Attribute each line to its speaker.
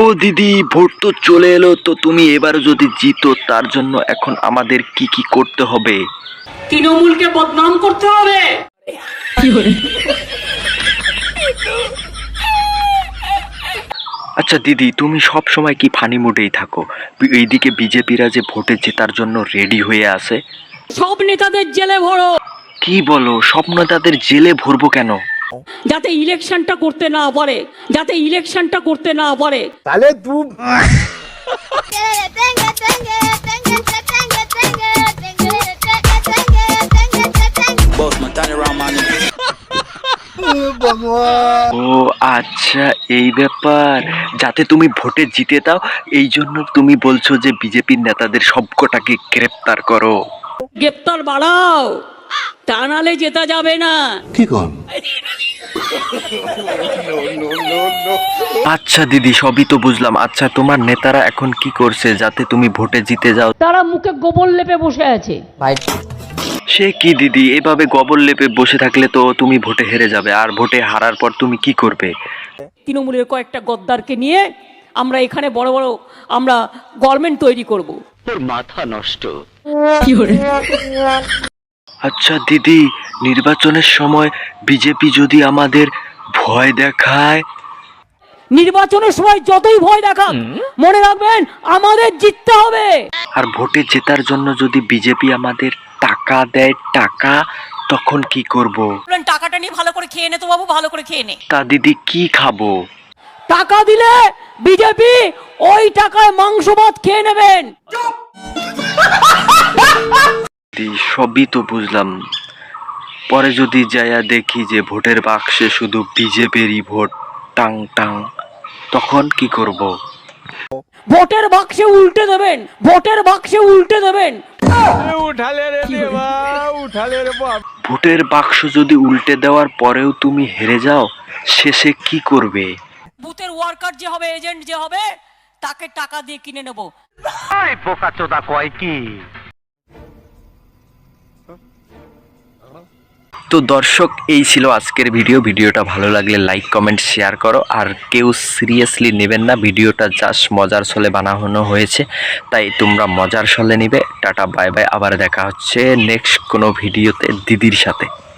Speaker 1: দিদি, ভোট তো চলে এলো, তো তুমি এবার যদি জিতো তার জন্য এখন আমাদের কি কি করতে হবে?
Speaker 2: তৃণমূলকে বদনাম করতে হবে।
Speaker 1: আচ্ছা দিদি, তুমি সব সময় কি ফানি মুডেই থাকো? এইদিকে বিজেপিরা যে ভোটে জেতার জন্য রেডি হয়ে আছে।
Speaker 2: সব নেতাদের জেলে ভরো।
Speaker 1: কি বলো, সব নেতাদের জেলে ভরবো কেন?
Speaker 2: যাতে ইলেকশনটা করতে না পারে, যাতে ইলেকশনটা করতে না পারে।
Speaker 3: তাহলে তুই
Speaker 1: ও আচ্ছা, এই ব্যাপার। যাতে তুমি ভোটে জিতে দাও, এই জন্য তুমি বলছো যে বিজেপির নেতাদের সবকটাকে গ্রেপ্তার করো।
Speaker 2: গ্রেপ্তার বাড়াও, তা নালে জেতা যাবে না।
Speaker 3: কি কর?
Speaker 1: আচ্ছা দিদি, সবই তো বুঝলাম। আচ্ছা, তোমার নেতারা এখন কি করছে যাতে তুমি ভোটে জিতে যাও?
Speaker 2: তারা মুখে গোবর লেপে বসে আছে।
Speaker 1: সে কি দিদি, এভাবে গোবর লেপে বসে থাকলে তো তুমি ভোটে হেরে যাবে, আর ভোটে হারার পর তুমি কি করবে?
Speaker 2: তৃণমূলের কয়েকটা গদ্দারকে নিয়ে আমরা এখানে বড় বড় আমরা গভর্নমেন্ট তৈরি করব।
Speaker 1: তোর মাথা নষ্ট। আচ্ছা দিদি, নির্বাচনের সময় বিজেপি যদি আমাদের ভয় দেখায়?
Speaker 2: নির্বাচনের সময় যতই ভয় দেখাক, মনে রাখবেন আমাদের জিততে হবে।
Speaker 1: আর ভোটে জেতার জন্য যদি বিজেপি আমাদের টাকা দেয়, টাকা, তখন কি করব?
Speaker 2: টাকাটা নিয়ে ভালো করে খেয়ে নে তো বাবু, ভালো করে খেয়ে নে।
Speaker 1: তা দিদি, কি খাবো?
Speaker 2: টাকা দিলে বিজেপি ওই টাকায় মাংস ভাত খেয়ে নেবেন।
Speaker 1: দিদি, সবই তো বুঝলাম। পরে যদি যাইয়া দেখি যে ভোটের বাক্সে শুধু বিজেপিরই ভোট, টাং টাং, তখন কি করব?
Speaker 2: ভোটের বাক্সে উল্টে দেবেন, ভোটের বাক্সে উল্টে দেবেন।
Speaker 1: ভোটের বাক্স যদি উল্টে দেওয়ার পরেও তুমি হেরে যাও, শেষে কি করবে?
Speaker 2: বুথের ওয়ার্কার যে হবে, এজেন্ট যে হবে, তাকে টাকা দিয়ে কিনে নেব।
Speaker 1: তো দর্শক, এই ছিল আজকের ভিডিওটা ভালো লাগলে লাইক কমেন্ট শেয়ার করো। আর কেউ সিরিয়াসলি নেবেন না, ভিডিওটা জাস্ট মজার ছলে বানানো হয়েছে, তাই তোমরা মজার ছলে নিবে। টাটা, বাই বাই, আবার দেখা হচ্ছে নেক্সট কোনো ভিডিওতে দিদির সাথে।